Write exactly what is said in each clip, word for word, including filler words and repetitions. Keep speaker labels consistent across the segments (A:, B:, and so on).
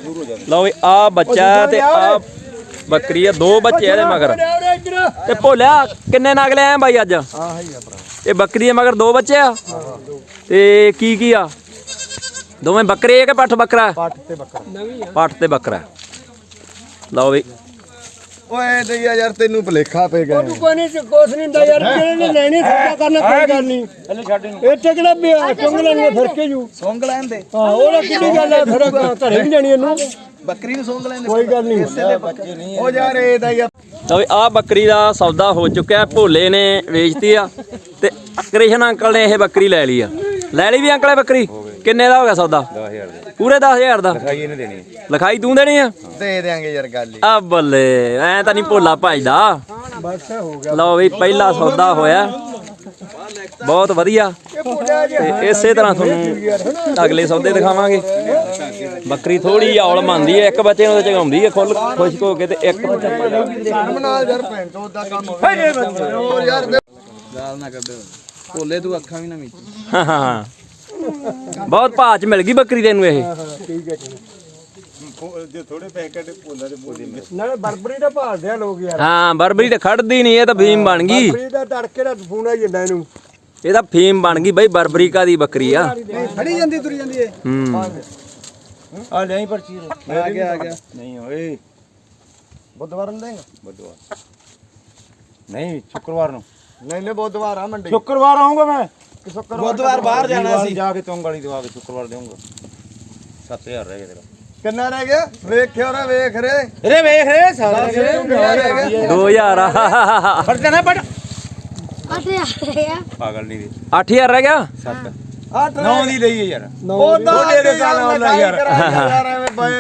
A: ਲਓ ਵੀ ਆ ਬੱਚਾ ਤੇ ਆ ਬੱਕਰੀ ਆ, ਦੋ ਬੱਚੇ ਇਹਦੇ ਮਗਰ। ਤੇ ਭੋਲਿਆ ਕਿੰਨੇ ਨਗ ਲੈ ਆਏ ਬਾਈ ਅੱਜ? ਇਹ ਬੱਕਰੀ ਦੇ ਮਗਰ ਦੋ ਬੱਚੇ ਆ ਤੇ ਕੀ ਕੀ ਆ? ਦੋਵੇਂ ਬੱਕਰੇ ਆ ਕਿ ਪੱਠ ਬੱਕਰਾ?
B: ਪੱਠ ਤੇ ਬੱਕਰਾ।
A: ਪੱਠ ਤੇ ਬੱਕਰਾ। ਲਓ ਵੀ
B: ਓਏ ਦਈਆ ਯਾਰ ਤੈਨੂੰ ਭਲੇਖਾ ਪੈ ਗਿਆ।
C: ਤੂੰ ਕੋਈ ਨਹੀਂ ਕੁਛ ਨਹੀਂ ਹੁੰਦਾ ਯਾਰ, ਜਿਹੜੇ ਨੇ ਲੈਣੀ ਸੌਦਾ ਕਰਨਾ ਕੋਈ ਗੱਲ ਨਹੀਂ।
B: ਇਹਨੂੰ ਛੱਡ ਇਹਨੂੰ।
C: ਇੱਥੇ ਕਿਹੜਾ ਬਿਆ ਚੁੰਗ ਲੈਣੀ ਫਿਰ ਕੇ ਜੂ
B: ਸੌਂਗ ਲੈਣ ਦੇ।
C: ਹਾਂ ਉਹਦਾ ਕਿਹੜੀ ਗੱਲ ਹੈ, ਫਿਰ ਘਰੇ ਵੀ ਜਾਣੀ ਇਹਨੂੰ।
B: ਬੱਕਰੀ ਨੂੰ ਸੌਂਗ ਲੈਣ ਦੇ।
C: ਕੋਈ ਗੱਲ ਨਹੀਂ।
B: ਉਹ ਯਾਰ ਇਹ ਦਾ ਯਾਰ
A: ਲਓ ਵੀ ਆ ਬੱਕਰੀ ਦਾ ਸੌਦਾ ਹੋ ਚੁੱਕਿਆ। ਭੋਲੇ ਨੇ ਵੇਚਤੀ ਆ ਤੇ ਕ੍ਰਿਸ਼ਨ ਅੰਕਲ ਨੇ ਇਹ ਬੱਕਰੀ ਲੈ ਲਈ ਆ। ਲੈ ਲਈ ਵੀ ਅੰਕਲ ਇਹ ਬੱਕਰੀ? ਕਿੰਨੇ ਦਾ ਹੋ ਗਿਆ ਸੌਦਾ?
B: ਦਸ ਹਜ਼ਾਰ ਦਾ।
A: ਪੂਰੇ ਦਸ ਹਜ਼ਾਰ ਦਾ?
B: ਲਿਖਾਈ ਇਹਨੇ ਦੇਣੀ।
A: ਲਿਖਾਈ ਤੂੰ ਦੇਣੀ ਆ?
B: ਦੇ ਦੇਾਂਗੇ ਯਾਰ ਗੱਲ ਹੀ।
A: ਆ ਬੱਲੇ ਐ ਤਾਂ ਨਹੀਂ ਭੋਲਾ ਭਜਦਾ।
C: ਬਸ ਹੋ ਗਿਆ।
A: ਲਓ ਵੀ ਪਹਿਲਾ ਸੌਦਾ ਹੋਇਆ, ਬਹੁਤ ਵਧੀਆ। ਤੇ ਇਸੇ ਤਰ੍ਹਾਂ ਤੁਹਾਨੂੰ ਅਗਲੇ ਸੌਦੇ ਦਿਖਾਵਾਂਗੇ। ਬੱਕਰੀ ਥੋੜੀ ਔਲ ਮੰਨਦੀ ਹੈ, ਇੱਕ ਬੱਚੇ ਨੂੰ ਚਗਾਉਂਦੀ ਹੈ ਖੁੱਲ ਖੁਸ਼ਕ ਹੋ ਕੇ ਤੇ ਇੱਕ
B: ਨਾਲ ਯਾਰ ਭੈਣ ਚੋਦ ਦਾ ਕੰਮ ਹੋਰ ਯਾਰ ਗਾਲ ਨਾ ਕੱਢ ਭੋਲੇ ਤੂੰ ਅੱਖਾਂ ਵੀ ਨਾ ਮੀਚ।
A: ਹਾਂ ਹਾਂ ਬਹੁਤ ਭਾਅ ਚ ਮਿਲ ਗਈ ਬੱਕਰੀ ਤੈਨੂੰ ਇਹ।
C: ਠੀਕ ਹੈ ਠੀਕ
B: ਜੇ ਥੋੜੇ ਪੈਸੇ ਕੱਢੇ ਭੋਲਾ ਦੇ ਬੋਲੀ
C: ਨਾਲੇ ਬਰਬਰੀ ਦਾ ਭਾਲਦੇ ਆ ਲੋਕ ਯਾਰ।
A: ਹਾਂ ਬਰਬਰੀ ਤੇ ਖੜਦੀ ਨਹੀਂ, ਇਹ ਤਾਂ ਫੀਮ ਬਣ ਗਈ।
C: ਬਰਬਰੀ ਦਾ ਤੜਕੇ ਦਾ ਫੋਨ ਆ ਜਾਂਦਾ ਇਹਨੂੰ।
A: ਇਹ ਤਾਂ ਫੀਮ ਬਣ ਗਈ ਬਈ, ਬਰਬਰੀ ਕਾ ਦੀ ਬੱਕਰੀ ਆ।
B: ਫੜੀ ਜਾਂਦੀ ਤੁਰ ਜਾਂਦੀ ਏ।
A: ਹੂੰ
B: ਆ ਲੈ ਪਰਚੀ ਆ ਗਿਆ ਆ ਗਿਆ। ਨਹੀਂ ਓਏ ਬੁੱਧਵਾਰ ਨੂੰ ਦੇਂਗਾ? ਬੁੱਧਵਾਰ ਨਹੀਂ ਸ਼ੁੱਕਰਵਾਰ ਨੂੰ। ਨਹੀਂ ਨਹੀਂ ਬੁੱਧਵਾਰ ਆ ਮੰਡੀ।
C: ਸ਼ੁੱਕਰਵਾਰ ਆਉਂਗਾ ਮੈਂ।
B: ਬੁੱਧਵਾਰ ਬਾਹਰ ਜਾਣਾ ਸੀ, ਜਾ ਕੇ ਤੁੰਗ ਵਾਲੀ ਦਵਾ ਕੇ ਸ਼ੁੱਕਰਵਾਰ ਦੇਵਾਂਗਾ। ਸੱਤ ਹਜ਼ਾਰ ਰਹਿ ਗਿਆ ਤੇਰਾ। ਕਿੰਨਾ ਰਹਿ ਗਿਆ? ਵੇਖਿਓ ਰੇ ਵੇਖ ਰੇ ਰੇ ਵੇਖ ਰੇ ਸਾਰਾ
A: ਦੋ ਹਜ਼ਾਰ ਆ।
B: ਫੜ ਜਾਣਾ ਫੜ।
D: ਅੱਠ ਹਜ਼ਾਰ
B: ਪਾਗਲ ਨਹੀਂ ਦੇ।
A: ਅੱਠ ਹਜ਼ਾਰ ਰਹਿ ਗਿਆ।
B: ਸੱਤ ਅੱਠ ਨੌ ਦੀ ਲਈ ਯਾਰ।
C: ਉਹ
B: ਦੇ ਦੇ ਗੱਲ ਹੋਣਾ ਯਾਰ।
C: ਯਾਰ ਐਵੇਂ ਬਏ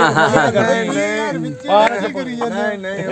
B: ਨਹੀਂ ਨਹੀਂ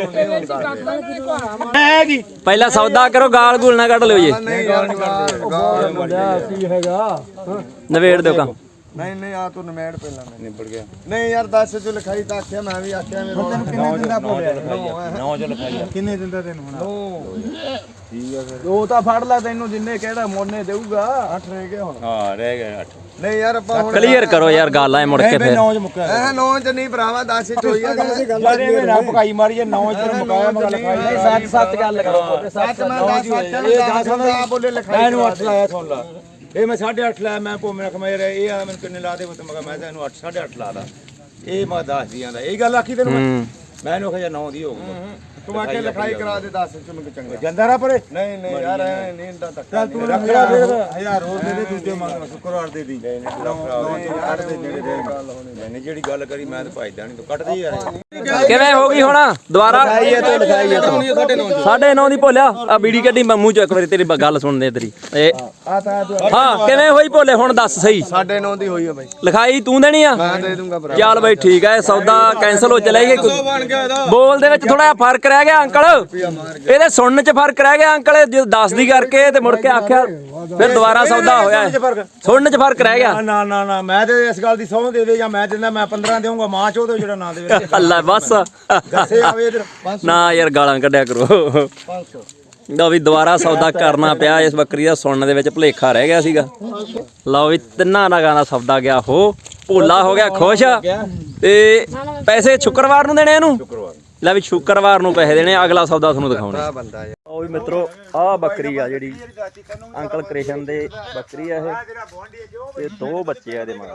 C: ਹੈ ਕੀ
A: ਪਹਿਲਾਂ ਸੌਦਾ ਕਰੋ, ਗਾਲ ਗੂਲ ਨਾ ਕੱਢ ਲਿਓ ਜੀ।
B: ਨਹੀਂ ਯਾਰ
C: ਕੀ ਹੈਗਾ?
A: ਨਵੇੜ ਦਿਓ ਕੰਮ।
B: ਨਹੀਂ ਨਹੀਂ ਆ ਤੂੰ ਨਮੇੜ ਪਹਿਲਾਂ ਮੈਂ ਨਿਬੜ ਗਿਆ। ਨਹੀਂ ਯਾਰ ਦੱਸ ਚ ਲਿਖਾਈ ਤਾਂ ਆਖਿਆ ਮੈਂ ਵੀ ਆਖਿਆ ਮੇਰੇ ਕੋਲ ਕਿੰਨੇ ਦਿੰਦਾ ਬੋਲਿਆ ਨੌ ਚ ਲਿਖਾਈ ਕਿੰਨੇ ਦਿੰਦਾ ਤੈਨੂੰ ਹੁਣ? ਠੀਕ ਆ ਫਿਰ ਉਹ ਤਾਂ ਫੜ ਲੈ ਤੈਨੂੰ ਜਿੰਨੇ ਕਿਹੜਾ ਮੋਨੇ ਦੇਊਗਾ। ਅੱਠ ਰਹਿ ਗਏ ਹੁਣ। ਹਾਂ ਰਹਿ ਗਏ ਅੱਠ। ਨਹੀਂ ਯਾਰ ਆਪਾਂ ਹੁਣ
A: ਕਲੀਅਰ ਕਰੋ ਯਾਰ ਗੱਲ ਐ ਮੁੜ ਕੇ ਫਿਰ।
B: ਨੌ ਚ ਮੁੱਕਿਆ ਐ ਨੌ ਚ ਨਹੀਂ ਭਰਾਵਾ ਦਸ ਚ ਹੋਈ ਆ ਗੱਲ। ਇਹ ਨਾ ਪਕਾਈ ਮਾਰੀ ਜੇ ਨੌ ਚ ਮੁਕਾਇਆ ਮਗਾ ਲਿਖਾਈ ਨਹੀਂ। ਸੱਤ ਸੱਤ ਗੱਲ ਕਰੋ। ਸੱਤ ਮੈਂ ਦਸ ਸੱਤ ਇਹ ਬੋਲੇ ਲਿਖਾਈ ਇਹਨੂੰ ਅੱਠ ਲਾਇਆ ਸੁਣ ਲਾ। ਇਹ ਮੈਂ ਸਾਢੇ ਅੱਠ ਲਾਇਆ। ਮੈਂ ਭੋਮੇ ਰੱਖ ਮੈਂ ਇਹ ਆ ਮੈਨੂੰ ਕਿੰਨੇ ਲਾ ਦੇ ਮੈਂ ਕਿਹਾ ਮੈਂ ਤਾਂ ਇਹਨੂੰ ਅੱਠ ਸਾਢੇ ਅੱਠ ਲਾ ਲਾ। ਇਹ ਮੈਂ ਦਸ ਦੀਆਂ ਦਾ ਇਹ ਗੱਲ ਆਖੀ ਤੈਨੂੰ ਮੈਂ। ਮੈਂ ਇਹਨੂੰ ਕਿਹਾ ਨੌ ਦੀ ਹੋਊਗਾ। ਤੂੰ ਆਕੇ ਲਿਖਾਈ ਕਰਾ ਦੇ ਦਸ ਚ ਮੈਨੂੰ ਚੰਗਾ ਜਾਂਦਾ ਰਾ ਪਰੇ। ਨਹੀਂ ਨਹੀਂ ਯਾਰ ਐ ਨਹੀਂ ਇੰਦਾ ਤੱਕ ਚੱਲ ਤੂੰ ਰੱਖ ਲੈ ਫਿਰ ਹਜ਼ਾਰ ਹੋਰ ਦੇ ਦੇ ਦੂਜੇ ਮੰਗ ਸ਼ੁੱਕਰਵਾਰ ਦੇ ਦੀ। ਨਹੀਂ ਨਹੀਂ ਕੱਢ ਦੇ ਜਿਹੜੇ ਗੱਲ ਹੋਣੀ ਨਹੀਂ ਜਿਹੜੀ ਗੱਲ ਕਰੀ ਮੈਂ ਤਾਂ ਭਜਦਾ ਨਹੀਂ ਤੂੰ ਕੱਢ ਦੇ ਯਾਰ।
A: ਕਿਵੇਂ ਹੋ ਗਈ ਹੁਣ ਦੁਬਾਰਾ? ਸਾਢੇ ਨੌ ਦੀ ਭੋਲਿਆ ਆ ਬੀੜੀ ਕੱਢੀ ਮੂੰਹ ਚੋਂ ਇੱਕ ਵਾਰੀ ਤੇਰੀ ਗੱਲ ਸੁਣਦੇ ਤੇਰੀ। ਇਹ ਹਾਂ ਕਿਵੇਂ ਹੋਈ ਭੋਲੇ ਹੁਣ ਦੱਸ ਸਹੀ।
B: ਸਾਢੇ ਨੌ ਦੀ ਹੋਈ ਆ ਬਾਈ।
A: ਲਿਖਾਈ ਤੂੰ ਦੇਣੀ ਆ?
B: ਮੈਂ ਦੇ ਦੂੰਗਾ ਭਰਾ।
A: ਚੱਲ ਬਈ ਠੀਕ ਹੈ, ਸੌਦਾ ਕੈਂਸਲ ਹੋ ਚਲਾ ਗਿਆ। ਬੋਲ ਦੇ ਵਿੱਚ ਥੋੜਾ ਜਿਹਾ ਫਰਕ ਰਹਿ ਗਿਆ ਅੰਕਲ, ਇਹਦੇ ਸੁਣਨ ਚ ਫਰਕ ਰਹਿ ਗਿਆ ਅੰਕਲ। ਜੇ ਦਸ ਦੀ ਕਰਕੇ ਤੇ ਮੁੜ ਕੇ ਆਖਿਆ ਫਿਰ ਦੁਬਾਰਾ ਸੌਦਾ ਹੋਇਆ। ਸੁਣਨ ਚ ਫਰਕ ਰਹਿ ਗਿਆ।
B: ਨਾ ਨਾ ਨਾ ਮੈਂ ਤੇ ਇਸ ਗੱਲ ਦੀ ਸਹੁੰ ਦੇ ਦੇ ਜਾਂ ਮੈਂ ਦਿੰਦਾ ਮੈਂ ਪੰਦਰਾਂ ਦੇਵਾਂਗਾ ਮਾਂ ਚੋਂ ਜਿਹੜਾ ਨਾ ਦੇਵੇ।
A: ਅੱਲਾ ਬਸ
B: ਦੱਸੇ ਆਵੇ ਇਧਰ
A: ਨਾ ਯਾਰ ਗਾਲਾਂ ਕੱਢਿਆ ਕਰੋ। ਲਓ ਵੀ ਦੁਬਾਰਾ ਸੌਦਾ ਕਰਨਾ ਪਿਆ। ਇਸ ਬੱਕਰੀ ਦਾ ਸੁਣਨ ਦੇ ਵਿੱਚ ਭੁਲੇਖਾ ਰਹਿ ਗਿਆ ਸੀਗਾ। ਲਓ ਵੀ ਤਿੰਨਾਂ ਨਗਾਂ ਦਾ ਸੌਦਾ ਗਿਆ ਹੋ। ਭੋਲਾ ਹੋ ਗਿਆ ਖੁਸ਼ ਤੇ ਪੈਸੇ ਸ਼ੁੱਕਰਵਾਰ ਨੂੰ ਦੇਣੇ ਇਹਨੂੰ। ਲੈ ਵੀ ਸ਼ੁੱਕਰਵਾਰ ਨੂੰ ਪੈਸੇ ਦੇਣੇ। ਅਗਲਾ ਸੌਦਾ ਤੁਹਾਨੂੰ ਦਿਖਾਉਣਾ। ਉਹ ਵੀ ਮਿੱਤਰੋ ਆਹ ਬੱਕਰੀ ਆ ਜਿਹੜੀ ਅੰਕਲ ਕ੍ਰਿਸ਼ਨ ਦੇ ਬੱਕਰੀ ਆ ਇਹ ਤੇ ਦੋ ਬੱਚੇ ਆ ਇਹਦੇ ਮਗਰ।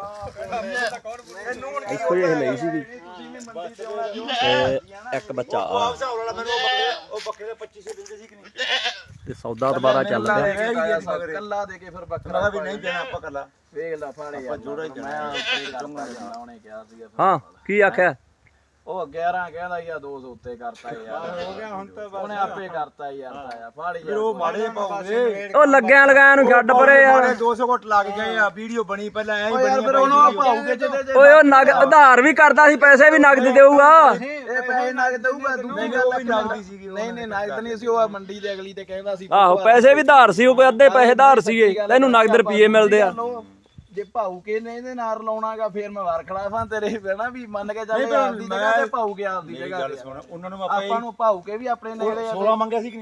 A: ਇੱਕੋ ਜਿਹੀ ਲਈ ਸੀਗੀ ਤੇ ਇੱਕ ਬੱਚਾ ਆ ਤੇ ਸੌਦਾ ਦੁਬਾਰਾ ਚੱਲ ਪਿਆ।
B: ਕੱਲਾ ਦੇ ਕੇ ਫਿਰ ਬੱਕਰਾ ਵੀ ਨਹੀਂ ਦੇਣਾ ਆਪਾਂ ਕੱਲਾ ਵੇਖ ਲੈ ਫਾੜੇ ਆਪਾਂ ਜੋੜਾ ਹੀ ਜਾਣਾ। ਉਹਨੇ ਕਿਹਾ ਸੀਗਾ
A: ਹਾਂ ਕੀ ਆਖਿਆ?
C: ਉਹ ਗਿਆਰਾਂ ਕਹਿੰਦਾ ਯਾ ਦੋ ਸੌ ਉੱਤੇ ਕਰਤਾ ਯਾਰ। ਹੋ ਗਿਆ ਹੁਣ ਤਾਂ ਉਹਨੇ ਆਪੇ ਕਰਤਾ ਯਾਰ। ਤਾਇਆ ਫਾੜ ਯਾਰ। ਉਹ ਮਾੜੇ ਪਾਉਂਦੇ
A: ਉਹ ਲੱਗਿਆਂ ਲਗਾਇਆ ਨੂੰ ਛੱਡ ਪਰੇ ਯਾਰ।
B: ਦੋ ਸੌ ਘੁੱਟ ਲੱਗ ਗਏ ਆ। ਵੀਡੀਓ ਬਣੀ ਪਹਿਲਾਂ ਐਂ ਹੀ
C: ਯਾਰ
B: ਬਣੀ
C: ਫਿਰ ਉਹਨੂੰ ਭਾਉਗੇ ਜਿਹਦੇ
A: ਓਏ ਉਹ ਨਗ ਉਧਾਰ ਵੀ ਕਰਦਾ ਸੀ, ਪੈਸੇ ਵੀ ਨਗਦ ਦੇਊਗਾ।
C: ਇਹ ਪੈਸੇ ਨਗਦ ਦਊਗਾ। ਦੂਜੀ ਗੱਲ ਵੀ ਨਗਦੀ ਸੀਗੀ। ਨਹੀਂ ਨਹੀਂ ਨਗਦ ਨਹੀਂ ਸੀ। ਉਹ ਮੰਡੀ ਦੇ ਅਗਲੀ ਤੇ ਕਹਿੰਦਾ ਸੀ
A: ਆਹੋ ਪੈਸੇ ਵੀ ਧਾਰ ਸੀ, ਉਹ ਕੋਈ ਅੱਧੇ ਪੈਸੇ ਧਾਰ ਸੀਗੇ। ਤੈਨੂੰ ਨਗਦ ਰੁਪਏ ਮਿਲਦੇ ਆ।
C: ਜੇ ਭਾਊ ਕੇ ਨੇ ਇਹਦੇ ਨਾਲ ਲਾਉਣਾਗਾ ਫੇਰ ਮੈਂ ਵਾਰ ਖਿਲਾਫਾਂ ਤੇਰੇ ਪੈਣਾ ਵੀ ਮੰਨ ਕੇ ਚੱਲ ਆਪਦੀ ਜਗ੍ਹਾ ਤੇ ਭਾਊ ਕੇ ਆਪਦੀ ਜਗ੍ਹਾ ਤੇ।
B: ਉਹਨਾਂ ਨੂੰ
C: ਆਪਾਂ ਨੂੰ ਭਾਊ ਕੇ ਵੀ ਆਪਣੇ ਨੇੜੇ ਆ।
B: ਸੋਲਾਂ ਮੰਗਿਆ ਸੀ ਕਿ ਨਹੀਂ?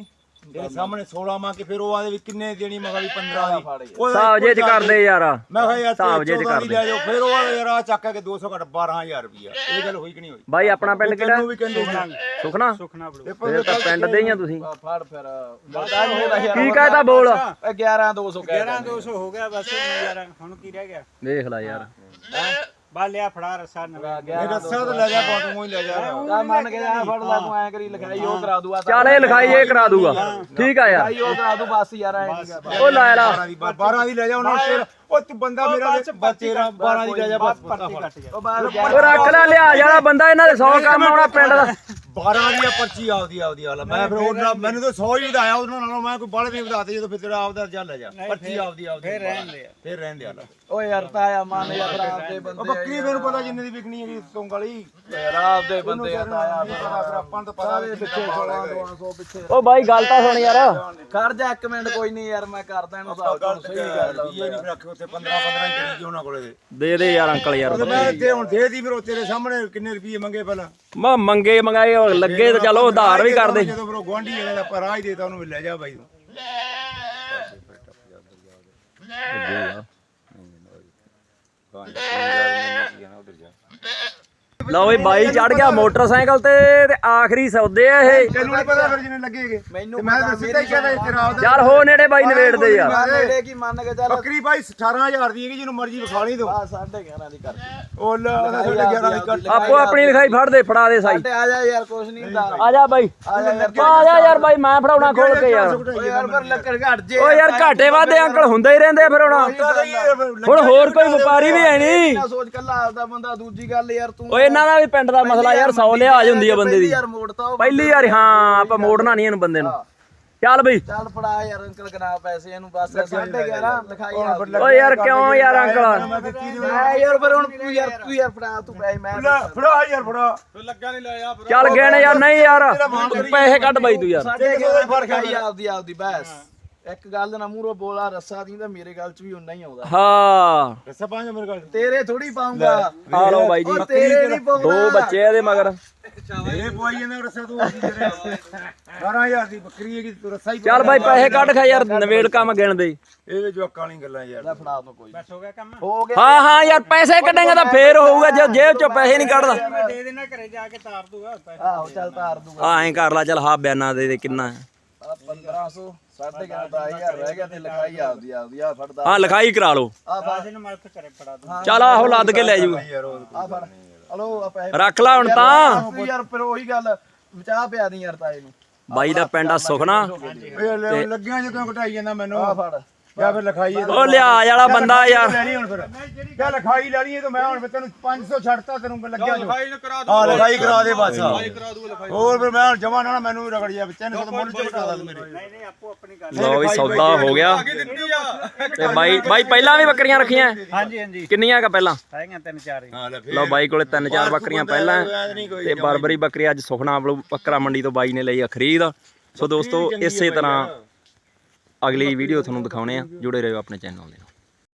B: ਤੇਰੇ ਸਾਹਮਣੇ ਸੋਲਾਂ ਮੰਗ ਕੇ ਫਿਰ ਉਹ ਆਦੇ ਵੀ ਕਿੰਨੇ ਦੇਣੀ ਮੈਂ ਕਿਹਾ ਵੀ ਪੰਦਰਾਂ ਦੀ
A: ਹਿਸਾਬ ਜੇ ਚ ਕਰਦੇ ਯਾਰ
B: ਮੈਂ ਕਿਹਾ ਯਾਰ
A: ਹਿਸਾਬ ਜੇ ਚ
B: ਚੌਦਾਂ ਦੀ
A: ਕਰਦੇ
B: ਲੈ ਜਾਓ ਫਿਰ ਉਹ ਆਦੇ ਯਾਰ ਆ ਚੱਕ ਕੇ ਦੋ ਸੌ ਘੱਟ ਬਾਰਾਂ ਹਜ਼ਾਰ ਰੁਪਇਆ ਇਹ ਗੱਲ ਹੋਈ ਕਿ ਨਹੀਂ ਹੋਈ
A: ਬਾਈ ਆਪਣਾ ਪਿੰਡ ਕਿਹੜਾ
B: ਤੈਨੂੰ ਵੀ ਕਹਿੰਦੇ
A: ਸੁਖਨਾ
E: ਸੁਖਨਾ ਬਲੂ
A: ਇਹ ਤਾਂ ਪਿੰਡ ਦੇ ਹੀ ਆ ਤੁਸੀਂ
C: ਫੜ ਫਿਰ ਬਤਾ ਨਹੀਂ ਹੋਦਾ ਯਾਰ
A: ਕੀ ਕਹਿਤਾ ਬੋਲ
C: ਗਿਆਰਾਂ ਦੋ ਸੌ
E: ਗਿਆਰਾਂ ਦੋ ਸੌ ਹੋ ਗਿਆ ਬਸ ਯਾਰ ਹੁਣ ਕੀ ਰਹਿ ਗਿਆ
A: ਦੇਖ ਲੈ ਯਾਰ
E: ਬਾ ਲਿਆ ਫੜਾ ਰਸਾ ਨਵਾਂ
B: ਇਹ ਰੱਸਾ ਤਾਂ ਲੈ ਜਾ ਬਾਤ ਮੂੰਹ ਹੀ ਲੈ ਜਾ
C: ਤਾਂ ਮੰਨ ਕੇ ਜਾ ਫੜ ਲੈ ਤੂੰ ਐ ਕਰੀ ਲਿਖਾਈ ਉਹ ਕਰਾ ਦੂਆ
A: ਚੱਲ ਇਹ ਲਿਖਾਈ ਇਹ ਕਰਾ ਦੂਗਾ ਠੀਕ ਆ ਯਾਰ
C: ਉਹ ਕਰਾ ਦੂ ਬਸ ਯਾਰ ਐ
A: ਉਹ ਲੈ ਲਾ
B: ਬਾਰਾਂ ਦੀ ਬਾਰਾਂ ਦੀ ਲੈ ਜਾ ਉਹਨਾਂ ਤੇਰਾ ਉਹ ਤੂੰ ਬੰਦਾ ਮੇਰਾ ਬੱਚੇਰਾ ਬਾਰਾਂ ਦੀ ਲੈ ਜਾ ਬਸ
E: ਪਰਚੀ ਕੱਟ ਜਾ
C: ਉਹ ਬਾਹਰ
A: ਉਹ ਰੱਖ ਲੈ ਲਿਆ ਜਿਹੜਾ ਬੰਦਾ ਇਹਨਾਂ ਦੇ ਸੌ ਕੰਮ ਆਉਣਾ ਪਿੰਡ ਦਾ
B: ਬਾਰਾਂ ਦੀ ਆ ਪਰਚੀ ਆਪਦੀ ਆਪਦੀ ਹਾਲ ਮੈਂ ਫਿਰ ਉਹਨਾਂ ਮੈਨੂੰ ਤਾਂ ਸੌ ਹੀ ਵਧਾਇਆ ਉਹਨਾਂ ਨਾਲੋਂ ਮੈਂ ਕੋਈ ਬਾਹਲੇ ਨਹੀਂ ਵਧਾਤੇ ਜਦੋਂ ਫਿਰ ਤੇਰਾ ਆਪਦਾ ਚੱਲ ਲੈ ਜਾ ਪਰਚੀ ਆਪਦੀ ਆਪਦੀ
E: ਫੇਰ ਰਹਿਣ ਦੇ
B: ਫਿਰ ਰਹਿਣ ਦੇ ਹਾਲ
C: ਓਏ ਯਾਰ ਤਾਇਆ ਮੰਨ ਯਾਰ ਰਾਤ ਦੇ
B: ਉਹ
C: ਬੰਦੇ
B: ਬੱਕਰੀ ਮੈਨੂੰ ਪਤਾ ਜਿੰਨੇ ਦੀ ਵਿਕਣੀ ਹੈਗੀ ਸੌਂਗ ਵਾਲੀ
C: ਰਾਤ ਦੇ ਬੰਦੇ ਆ ਤਾਇਆ
B: ਫਿਰ ਆਪਾਂ ਨੂੰ ਤਾਂ ਪਤਾ ਵੀ
C: ਪਿੱਛੇ ਸੋਲਾਂ ਦੋ ਸੌ ਪਿੱਛੇ
A: ਉਹ ਬਾਈ ਗੱਲ ਤਾਂ ਸੁਣ ਯਾਰ
C: ਖੜ ਜਾ ਇੱਕ ਮਿੰਟ ਕੋਈ ਨਹੀਂ ਯਾਰ ਮੈਂ ਕਰਦਾ ਇਹਨੂੰ ਹਿਸਾਬ ਤੁਹਾਨੂੰ ਸਹੀ ਗੱਲ
B: ਇਹ ਨਹੀਂ ਰੱਖੇ ਉੱਥੇ ਪੰਦਰਾਂ ਪੰਦਰਾਂ ਹੀ ਕਰੀ ਜੀ ਉਹਨਾਂ ਕੋਲੇ ਦੇ
A: ਦੇ ਦੇ ਯਾਰ ਅੰਕਲ ਯਾਰ
B: ਮੈਂ ਇੱਥੇ ਹੁਣ ਦੇ ਦੀ ਫਿਰ ਉਹ ਤੇਰੇ ਸਾਹਮਣੇ ਕਿੰਨੇ ਰੁਪਏ ਮੰਗੇ ਪਹਿਲਾਂ
A: ਮੈਂ ਮੰਗੇ ਮੰਗਾਏ ਉਹ ਲੱਗੇ ਤੇ ਚਲੋ ਉਧਾਰ ਵੀ ਕਰਦੇ
B: ਜਦੋਂ ਫਿਰ ਉਹ ਗੁਆਂਢੀ ਹੈਗਾ ਤਾਂ ਪਰ ਆ ਹੀ ਦੇਤਾ ਉਹਨੂੰ ਵੀ ਲੈ ਜਾ ਬਾਈ ਤੂੰ
A: ਲਓ ਵੀ ਬਾਈ ਚੜ ਗਿਆ ਮੋਟਰਸਾਈਕਲ ਤੇ ਤੇ ਆਖਰੀ ਸੌਦੇ ਆ ਇਹ
B: ਤੈਨੂੰ ਨਹੀਂ ਪਤਾ ਫਿਰ ਜਿੰਨੇ ਲੱਗੇਗੇ
C: ਮੈਨੂੰ
B: ਮੈਂ ਤਾਂ ਸਿੱਧਾ ਹੀ ਕਹਿੰਦਾ ਤੇਰਾ ਆਪਦਾ
A: ਯਾਰ ਹੋ ਨੇੜੇ ਬਾਈ ਨਵੇੜਦੇ ਯਾਰ
C: ਮੇਰੇ ਕੀ ਮੰਨ ਕੇ ਚੱਲ
B: ਬੱਕਰੀ ਬਾਈ ਅਠਾਰਾਂ ਹਜ਼ਾਰ ਦੀ ਹੈਗੀ ਜਿਹਨੂੰ ਮਰਜ਼ੀ ਵਿਖਾ ਲਈ ਤੂੰ
C: ਆ ਸਾਢੇ ਗਿਆਰਾਂ ਦੀ ਕਰ
B: ਉਹ ਲੈ ਸਾਡੇ ਗਿਆਰਾਂ ਦੀ ਕੱਟ
A: ਆਪੋ ਆਪਣੀ ਲਿਖਾਈ ਫੜ ਦੇ ਫੜਾ ਦੇ ਸਾਈ
C: ਸਾਡੇ ਆ ਜਾ ਯਾਰ ਕੁਛ ਨਹੀਂ ਹੁੰਦਾ
A: ਆ ਜਾ ਬਾਈ
C: ਆ ਜਾ ਯਾਰ
A: ਆ ਜਾ ਯਾਰ ਬਾਈ ਮੈਂ ਫੜਾਉਣਾ ਖੋਲ ਕੇ ਯਾਰ
C: ਓਏ ਯਾਰ ਪਰ ਲੱਕੜ ਘਟ ਜੇ
A: ਓ ਯਾਰ ਘਾਟੇ ਵਾਦੇ ਅੰਕਲ ਹੁੰਦੇ ਹੀ ਰਹਿੰਦੇ ਆ ਫਿਰ ਹੁਣ ਹੁਣ ਹੋਰ ਕੋਈ ਵਪਾਰੀ ਵੀ ਹੈ ਨਹੀਂ
C: ਨਾ ਸੋਚ ਕੱਲਾ ਆਪਦਾ ਬੰਦਾ ਦੂਜੀ ਗੱਲ ਯਾਰ ਤੂੰ
A: ਓਏ ਇਹਨਾਂ ਦਾ ਵੀ ਪਿੰਡ ਦਾ ਮਸਲਾ ਯਾਰ ਸੌ ਲਿਹਾਜ਼ ਹੁੰਦੀ ਆ ਬੰਦੇ ਦੀ
C: ਯਾਰ ਮੋੜਤਾ ਉਹ
A: ਪਹਿਲੀ ਵਾਰ ਹਾਂ ਆਪਾਂ ਮੋੜਨਾ ਨਹੀਂ ਇਹਨੂੰ ਬੰਦੇ ਨੂੰ ਚੱਲ ਬਈ
C: ਚੱਲ ਫੜਾ ਯਾਰ ਅੰਕਲ ਗਨਾ ਪੈਸੇ ਇਹਨੂੰ ਬਸ ਸਾਢੇ ਗਿਆਰਾਂ ਲਿਖਾਈ ਆ
A: ਓਏ ਯਾਰ ਕਿਉਂ ਯਾਰ ਅੰਕਲ
C: ਮੈਂ ਯਾਰ ਪਰ ਹੁਣ ਤੂੰ ਯਾਰ ਤੂੰ ਯਾਰ ਫੜਾ ਤੂੰ ਪੈਸੇ ਮੈਂ
B: ਫੜਾ ਯਾਰ ਫੜਾ
A: ਚੱਲ ਗਿਣ ਯਾਰ ਨਹੀਂ ਯਾਰ ਪੈਸੇ ਕੱਢ ਬਾਈ ਤੂੰ ਯਾਰ
C: ਸਾਢੇ ਗਿਆਰਾਂ ਫਰਕ ਆਈ ਆਪਦੀ ਆਪਦੀ ਬਸ ਇੱਕ ਗੱਲ ਨਾ ਮੂਹਰੋਂ ਬੋਲਾ ਰੱਸਾ ਦੀ ਤਾਂ ਮੇਰੇ ਗੱਲ ਚ ਵੀ ਉਨਾ ਹੀ ਆਉਂਦਾ
A: ਹਾਂ
B: ਦੱਸਾਂ ਪੰਜ ਮੇਰੇ ਕੋਲ
C: ਤੇਰੇ ਥੋੜੀ ਪਾਉਂਗਾ
A: ਆ ਲਓ ਬਾਈ ਜੀ
C: ਉਹ ਤੇਰੇ ਨਹੀਂ ਪਾਉਂਦਾ
A: ਦੋ ਬੱਚੇ ਇਹਦੇ ਮਗਰ
B: ਮੇਰੇ ਪਵਾਈ ਜਾਂਦੇ ਰਸਾ ਤੂੰ ਬਾਰਾਂ ਹਜ਼ਾਰ ਦੀ ਬੱਕਰੀ ਹੈਗੀ ਤੂੰ ਰਸਾ ਹੀ
A: ਚੱਲ ਬਾਈ ਪੈਸੇ ਕੱਢ ਖਾ ਯਾਰ ਨਵੇੜ ਕੰਮ ਗਿਣ ਦੇ
B: ਇਹ ਜੋ ਕਾਲੀ ਗੱਲਾਂ ਯਾਰ
C: ਲੈ ਫੜਾ ਤੂੰ ਕੋਈ
E: ਬਸ ਹੋ ਗਿਆ ਕੰਮ
C: ਹੋ ਗਿਆ
A: ਹਾਂ ਹਾਂ ਯਾਰ ਪੈਸੇ ਕੱਢੇਗਾ ਤਾਂ ਫੇਰ ਹੋਊਗਾ ਜੇ ਜੇਬ ਚੋਂ ਪੈਸੇ ਨਹੀਂ ਕੱਢਦਾ
E: ਮੈਂ ਦੇ ਦੇਣਾ ਘਰੇ ਜਾ ਕੇ ਤਾਰ ਦੂਗਾ ਪੈਸੇ
C: ਆਹੋ ਚੱਲ ਤਾਰ ਦੂਗਾ
A: ਆ ਐਂ ਕਰ ਲਾ ਚੱਲ ਹਾਂ ਬਿਆਨਾ ਦੇ ਦੇ ਕਿੰਨਾ ਹੈ
C: ਆ ਪੰਦਰਾਂ ਸੌ ਸਾਢੇ ਗਿਆਰਾਂ ਦਾ ਹਜ਼ਾਰ ਰਹਿ ਗਿਆ ਤੇ ਲਿਖਾਈ ਆਪਦੀ ਆਪਦੀ ਆ ਫੜਦਾ
A: ਹਾਂ ਲਿਖਾਈ ਕਰਾ ਲਓ
C: ਆ
E: ਬਾਜ ਨੂੰ ਮੈਂ ਉੱਥੇ ਘਰੇ ਫੜਾ ਦੂੰ
A: ਚੱਲ ਆਹੋ ਲੱਦ ਕੇ ਲੈ ਜੂ
B: ਯਾਰ ਉਹ
C: ਆ ਫੜ ਹਲੋ ਆ ਪੈਸੇ
A: ਰੱਖ ਲਾ ਹੁਣ ਤਾਂ
C: ਤੂੰ ਯਾਰ ਫਿਰ ਉਹੀ ਗੱਲ ਬਚਾ ਪਿਆ ਦੀ ਯਾਰ ਤਾਏ ਨੂੰ
A: ਬਾਈ ਦਾ ਪਿੰਡ ਆ ਸੁਖਨਾ
B: ਇਹ ਲੈ- ਲੱਗਿਆ ਜਦੋਂ ਘਟਾਈ ਜਾਂਦਾ ਮੈਨੂੰ
C: ਆ ਫੜ
B: ਜਾਂ ਫਿਰ ਲਿਖਾਈ ਇਹ
A: ਉਹ ਲਿਹਾਜ਼ ਵਾਲਾ ਬੰਦਾ ਯਾਰ
B: ਲੈਣੀ ਹੁਣ ਫਿਰ ਕਿਆ ਲਿਖਾਈ ਲੈਣੀ ਹੈ ਤਾਂ ਮੈਂ ਹੁਣ ਫਿਰ ਤੈਨੂੰ ਪੰਜ ਸੌ ਛੱਡਤਾ ਤੈਨੂੰ ਲੱਗਿਆ ਜੋ ਹਾਂ ਲਿਖਾਈ ਕਰਾ ਦੇ ਬਸ ਹੋਰ ਫਿਰ ਮੈਂ ਹੁਣ ਜਮਾ ਨਾ ਮੈਨੂੰ ਵੀ ਰਗੜ ਜਾ ਤਿੰਨ ਸੌ ਮੁੱਲ ਚ ਘਟਾ ਦੇ ਮੇਰੇ
E: ਨਹੀਂ ਨਹੀਂ ਆਪੋ ਆਪਣੀ ਗੱਲ
A: ਲਓ ਵੀ ਸੌਦਾ ਹੋ ਗਿਆ ਤੇ ਬਾਈ ਬਾਈ ਪਹਿਲਾਂ ਵੀ ਬੱਕਰੀਆਂ ਰੱਖੀਆਂ
E: ਹਾਂਜੀ ਹਾਂਜੀ
A: ਕਿੰਨੀਆਂ ਕਾ ਪਹਿਲਾਂ
E: ਹੈਗੀਆਂ ਤਿੰਨ ਚਾਰ ਹੀ
B: ਹਾਂ ਲੈ ਫਿਰ
A: ਲਓ ਬਾਈ ਕੋਲੇ ਤਿੰਨ ਚਾਰ ਬੱਕਰੀਆਂ ਪਹਿਲਾਂ
B: ਨਹੀਂ ਕੋਈ
A: ਤੇ ਬਰਬਰੀ ਬੱਕਰੀ ਅੱਜ ਸੁਖਨਾ ਬੱਕਰਾ ਮੰਡੀ ਤੋਂ ਬਾਈ ਨੇ ਲਈ ਆ ਖਰੀਦ ਸੋ ਦੋਸਤੋ ਇਸੇ ਤਰ੍ਹਾਂ ਅਗਲੀ ਵੀਡੀਓ ਤੁਹਾਨੂੰ ਦਿਖਾਉਣੇ ਆ ਜੁੜੇ ਰਹੋ ਆਪਣੇ ਚੈਨਲ ਦੇ ਨਾਲ।